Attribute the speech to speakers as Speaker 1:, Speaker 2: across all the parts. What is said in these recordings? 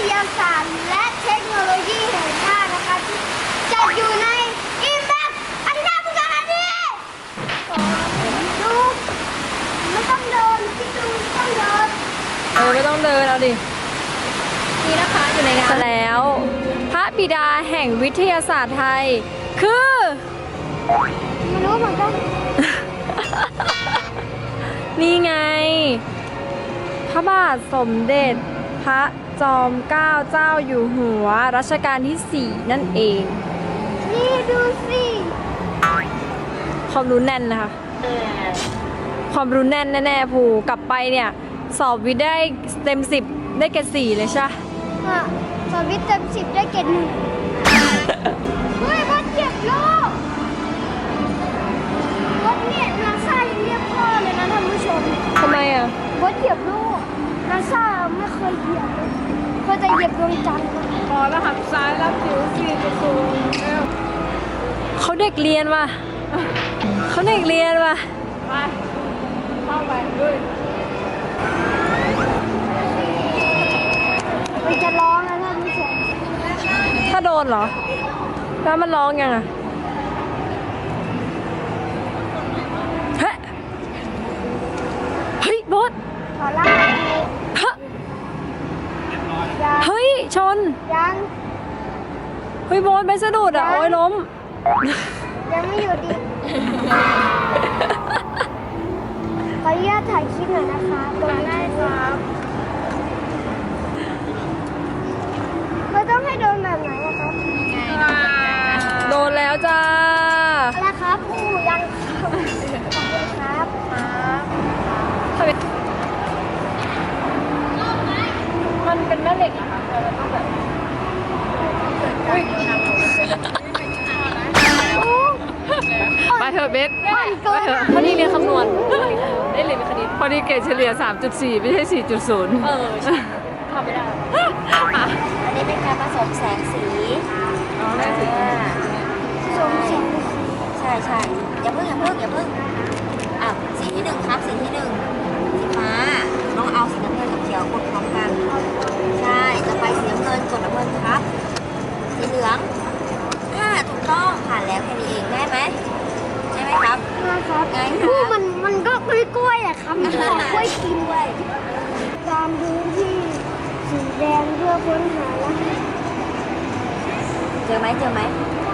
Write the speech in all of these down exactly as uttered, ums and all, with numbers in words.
Speaker 1: ยาศาสตร์และเทคโนโลยีแห่งชาตินะคะที่จัดอยู่ในอิมแพคอาทิตย์พุทธานีดูไม่ต้องเดินที่ดูไม่ต้องเดิน
Speaker 2: เออไม่ต้องเดินเอาดินี่นะคะอยู่ในงานแล้วพระบิดาแห่งวิทยาศาสตร์ไทยคือ
Speaker 1: ไม่รู้เหมือนกัน
Speaker 2: นี่ไงพระบาทสมเด็จพระจอมเกล้าเจ้าอยู่หัวรัชกาลที่สี่นั่นเอง
Speaker 1: นี่ดูสิ
Speaker 2: ความรู้แน่นนะคะความรู้แน่นแน่ๆภูกลับไปเนี่ยสอบวิทย์ได้เต็มสิบได้เกรดสี่เลยใช่
Speaker 1: อ่ะสอบวิทย์เต็มสิบได้เกรดหนึ่งเฮ้ยบอสเหยียบโลกบอสเนี่ยนาซายังเรียกพ่อเลยนะท่านผู้ชม
Speaker 2: ทำไมอ่ะ
Speaker 1: บอสเหยียบโลกนาซาไม่เคยเหยียบเลยเคยแต่เหยียบดวงจันทร์
Speaker 3: พอแล้วหักซ้ายรับผิวสี่จุดศูนย์
Speaker 2: เขาเด็กเรียนว่ะเขาเด็กเรียนว่ะ
Speaker 3: ไปเข้าไปด้วย
Speaker 1: มันจะร้องนะท่านผู้ชม
Speaker 2: ถ้าโดนเหรอแล้วมันร้องยังอ่ะเฮ้ยเฮ้ยบอส
Speaker 1: ขอล่า
Speaker 2: ฮะเฮ้ยชน
Speaker 1: ยัง
Speaker 2: เฮ้ยบอสไปสะดุดอ่ะโอ้ยล้ม
Speaker 1: ยังไม่หยุดดิขออนุญาตถ่ายคลิปหน่อยนะคะตรงนี้ครับเราต้องให้โดนแบบไหนนะครับ
Speaker 2: โดนแล้วจ้า
Speaker 1: อะไรครับผู้ยังขอบคุณครับครับ
Speaker 2: มันเป็นแม่เหล็กอะค่ะเราต้องแบบ
Speaker 3: ไปเถอะเบส
Speaker 1: ไปเถอะ
Speaker 2: พอดีเรียนคำนวณได้เรียนคณิต
Speaker 3: พอดีเกรดเฉลี่ย สามจุดสี่ ไม่ใช่ สี่จุดศูนย์
Speaker 2: เออทำไม่ได้
Speaker 4: อันนี้เป็นการผสมแสงสี
Speaker 3: อ๋อแม่สี
Speaker 1: สมเสียง
Speaker 4: ใช่ใช่อย่าเพิ่งอย่าเพิ่งอย่าเพิ่งอ่ะสีที่หนึ่งครับสีที่หนึ่งสีฟ้าน้องเอาสีน้ำเงินกับเขียวกดพร้อมกันใช่จะไปสีน้ำเงินกดน้ำเงินครับสีเหลืองอ่าถูกต้องผ่านแล้วแค่นี้เองง่ายไหมใช่ไหมครับ
Speaker 1: นะครับ
Speaker 4: ง่ายค
Speaker 1: ผู้
Speaker 4: รับ
Speaker 1: มันมันก็กล้วยๆอะครับมันก็กล้วยกินด้วยตามพื้นที่สีแดงเพื่อค้นหาแล้ว
Speaker 4: เจอไหมเจอไหม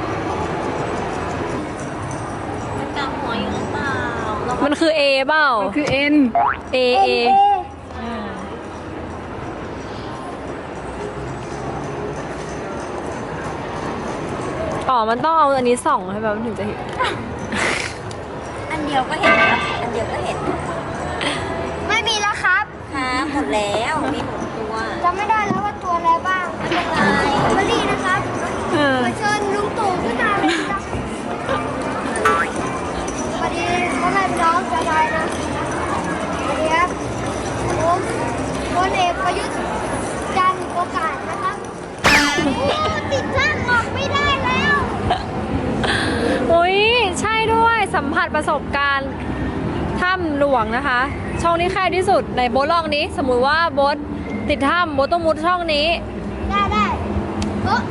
Speaker 4: มันกลับหัวอยู่หรือเปล่า
Speaker 2: มันคือ A เปล่า
Speaker 3: มันคือ N
Speaker 2: A A อ๋อมันต้องเอาอันนี้ส่องให้แบบมันถึงจะเห็น
Speaker 4: อันเดียวก็เห็นครับอันเดียวก็เห็น
Speaker 1: ไม่มีแล้วครับ
Speaker 4: ครับหมดแล้วมีหมดตัว
Speaker 1: จำไม่ได้แล้วว่าตัวอะไรบ้าง
Speaker 4: ไม่เป็นไร
Speaker 1: มาดีนะครับขอเชิญลุงตู่ขึ้นมาเลยครับสวัสดีพ่อแม่พี่น้องชาวไทยนะสวัสดีครับผมพลเอกประยุทธ์จันทร์โอกาสนะครับโอ้ติดช่างออกไม่ได้แล้ว
Speaker 2: อุ้ยใช่ด้วยสัมผัสประสบการณ์ถ้ำหลวงนะคะช่องนี้แคบที่สุดในโบ๊ทลองนี้สมมุติว่าโบ๊ทติดถ้ำโบ๊ทต้องมุดช่องนี้
Speaker 1: ได้ได้เออ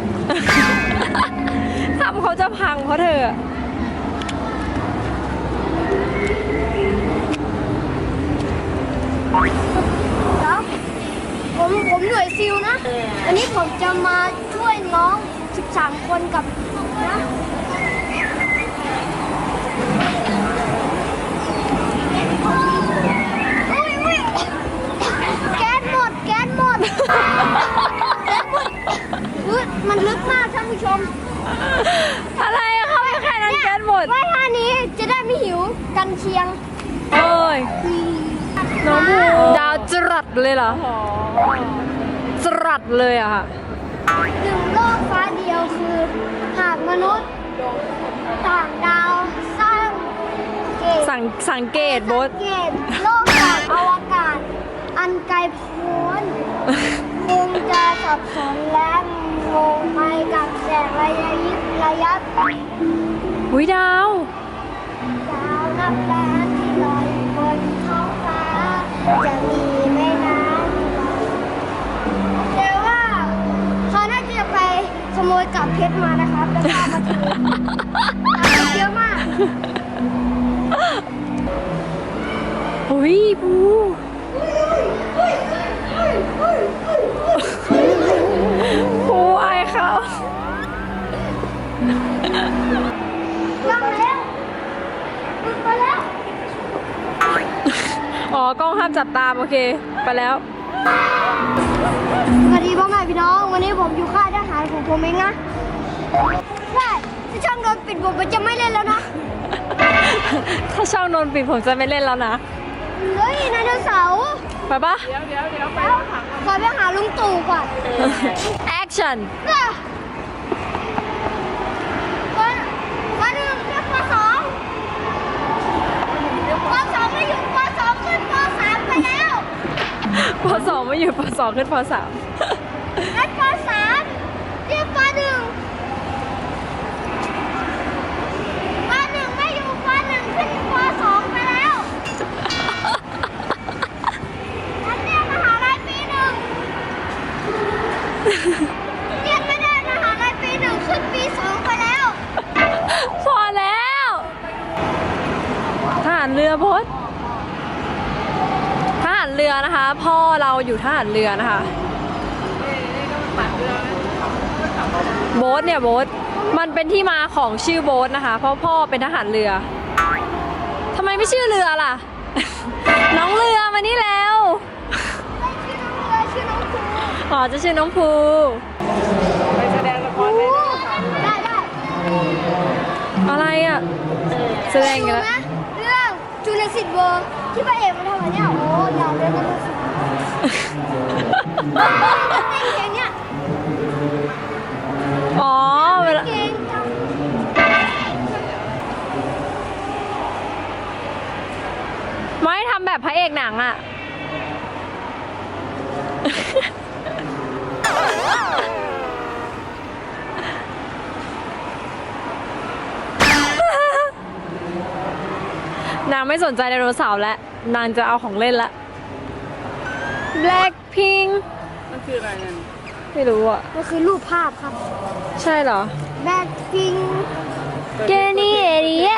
Speaker 2: ถ้ำเขาจะพังเพราะเธอ
Speaker 1: แล้วผมผมหน่วยซิลนะอันนี้ผมจะมาช่วยน้องสิบสามคนกับนะมันลึกมากท่านผู้ชม
Speaker 2: อะไรอะเขาไม่แค่นั้นแก๊สหมด
Speaker 1: ว่าท่านี้จะได้ไม่หิวกันเชียง
Speaker 2: เอ้ยน้องภูดาวจรัสเลยเหรอจรัสเลยอะค่ะ
Speaker 1: หนึ่งโลกฟ้าเดียวคือหากมนุษย์ต่างดาวสร้างเกต
Speaker 2: สังสังเกตโบส
Speaker 1: เกตโลกจากอวกาศอันไกลโพ้นคงจะสับสนและงงไปกับแสงระยะยิบระยะ
Speaker 2: หุยดาว
Speaker 1: ดาวนับล้านที่ลอยบนท้องฟ้าจะมีไม่นานแต่ว่ากลับเพชรมานะครับแล้วก็เอามาถือเยอะมาก
Speaker 2: อุ้ยปูปูอายเขา
Speaker 1: ยังแล้วมึงไปแล้ว
Speaker 2: อ๋อกล้องห้ามจับตามโอเค ไปแล้ว
Speaker 1: สวัสดีพ่อแม่พี่น้องวันนี้ผมอยู่ค่ายทหารของผมเองนะใช่ถ้าช่องโดนปิดผมจะไม่เล่นแล้วนะ
Speaker 2: ถ้าช่องโดนปิดผมจะไม่เล่นแล้วนะ
Speaker 1: เฮ้ยไดโนเสาร์
Speaker 2: ไปปะ
Speaker 3: เดี๋ยวเดี๋ยวเดี๋ยวไป
Speaker 1: ขอไปหาลุงตู่ก่อน
Speaker 2: action
Speaker 1: น่ะวันวันหนึ่งเรียกปสองปสองไม่อยู่ปสองขึ้นปสามไปแล้ว
Speaker 2: ปสองไม่อยู่ปสองขึ้นปสาม
Speaker 1: งั้นปสามเรียกปหนึ่งปหนึ่งไม่อยู่ปหนึ่งขึ้นปสองไปแล้วงั้นเรียกมหาลัยปีหนึ่งเรียกไม่ได้มหาลัยปีหนึ่งขึ้นปีสองไปแล้ว
Speaker 2: พอแล้วทหารเรือพดทหารเรือนะคะ พ่อเราอยู่ทหารเรือนะคะโบ๊ทเนี่ยโบ๊ทมันเป็นที่มาของชื่อโบ๊ทนะคะ เพราะพ่อเป็นทหารเรือทำไมไม่ชื่อเรือล่ะ น้องเรือมานี่แล้ว
Speaker 1: ชื่อน้องเรือชื่อน้องครู
Speaker 2: อ๋อจะชื่อน้องภู
Speaker 3: ไปแสดงละครได้ด้วยค่ะ
Speaker 1: ได้ได้
Speaker 2: อะไรอ่ะแสดง
Speaker 1: ดู
Speaker 2: กันแล้ว
Speaker 1: นะเรื่องจูเลสิตเวิร์ที่พระเอกมันทำอะไรเนี่ยโอ้ยาวเลยนะลูกศิษย์เต้นเพลงเนี่ย
Speaker 2: อ๋อเวลา
Speaker 1: เก่งจัง
Speaker 2: ไม่ทำแบบพระเอกหนังอ่ะ นางไม่สนใจไดโนเสาร์แล้ว นางจะเอาของเล่นละ Blackpink
Speaker 3: มันคืออะไรนั่น
Speaker 2: ไม่รู้อ่ะ
Speaker 1: มันคือรูปภาพครับ
Speaker 2: ใช่เหรอ
Speaker 1: แบ็คพิง
Speaker 2: เกนี่เอริเย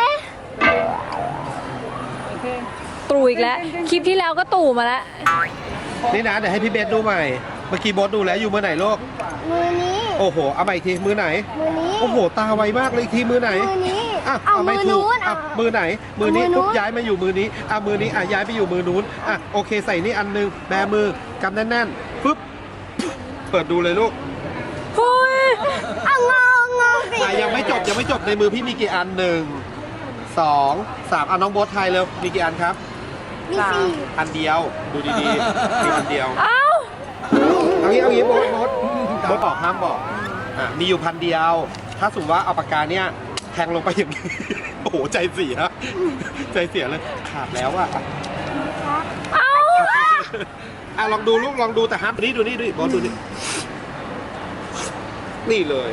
Speaker 3: โอเค
Speaker 2: ตู่อีกแล้ว คลิปที่แล้วก็ตู่มาแล้ว
Speaker 5: นี่นะเดี๋ยวให้พี่เบสดูใหม่ เมื่อกี้โบสดูแล้วอยู่มือไหนลูก
Speaker 1: มือนี้
Speaker 5: โอ้โห เอาใหม่อีกทีมือไหน
Speaker 1: มือนี้
Speaker 5: โอ้โห ตาไวมากเลยอีกทีมือไหน
Speaker 1: มือนี้
Speaker 5: อ่ะ
Speaker 1: เอา
Speaker 5: ไม่
Speaker 1: มือ
Speaker 5: ถูก
Speaker 1: นู้น
Speaker 5: อ่ะ
Speaker 1: อ่ะ
Speaker 5: มือไหน มือนี้
Speaker 1: เอามือนู้น
Speaker 5: ปุ๊บย้ายมาอยู่มือนี้ อ่ะมือนี้อ่ะย้ายไปอยู่มือนู้น อ่ะโอเคใส่นี่อันนึง แบมือกำแน่นๆปุ๊บ เปิดดูเลยลูก
Speaker 2: พุย
Speaker 1: เอางองงองสิ
Speaker 5: อ่ะยังไม่จบยังไม่จบในมือพี่มีกี่อันหนึ่งสองสามอ่ะน้องโบ๊ทไทยเร็วมีกี่อันครับ
Speaker 1: มีสี่
Speaker 5: อันเดียว ดูดีๆมีอันเดียว
Speaker 2: เอ้า
Speaker 5: เอางี้เอางี้โบ๊ทโบ๊ทโบ๊ทบอกห้ามบอกอ่ะมีอยู่พันเดียว ถ้าสมมติว่าเอาปากกาเนี่ยแทงลงไปอย่างนี้ โอ้โหใจเสียใจเสียเลยขาดแล้วอะอ่ะ
Speaker 2: เอ้า
Speaker 5: อ่ะลองดูลูกลองดูแต่ห้ามนี่ดูนี่ดูนี่โบ๊ทดูนี่นี่เลย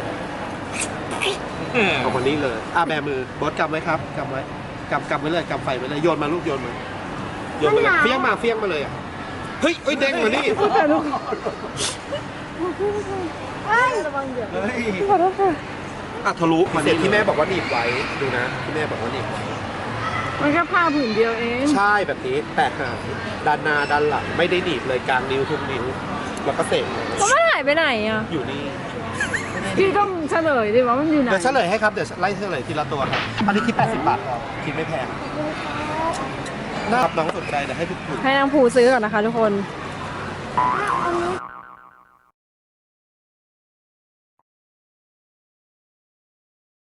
Speaker 5: เอามานี่เลยอ่ะแบมือโบ๊ทกำไว้ครับกำไว้กำกำไว้เลยกำไฟไว้เลยโยนมาลูกโยนมาโยนมาเลยเฟี้ยงมาเฟี้ยงมาเลยอ่ะเฮ้ยเอ้ยเด้งมานี่
Speaker 1: เอ้ย
Speaker 2: ขอโทษค่ะ
Speaker 5: อ่ะทะลุมาเสร็จที่แม่บอกว่าหนีบไว้ดูนะที่แม่บอกว่าหนีบ
Speaker 3: มันแค่ผ้าผืนเดียวเอง
Speaker 5: ใช่แบบนี้แต่หางด้านหน้าด้านหลังไม่ได้หนีบเลยกลางนิ้วทุกนิ้วแล้วก็เสกเลย
Speaker 2: ก็ไม่หายไปไหนอ่ะ
Speaker 5: อยู่นี่
Speaker 3: พี่ต้องเฉลยดิว่ามันอยู่ไหน
Speaker 5: เดี๋ยวเฉลยให้ครับเดี๋ยวไล่เฉลยทีละตัวครับอันนี้คิดแปดสิบบาทครับคิดไม่แพงนะครับน้องสนใจเดี๋ยวให้ทุกคน
Speaker 2: ให้นางผูซื้อก่อนนะคะทุกคน
Speaker 1: เอาอันนี้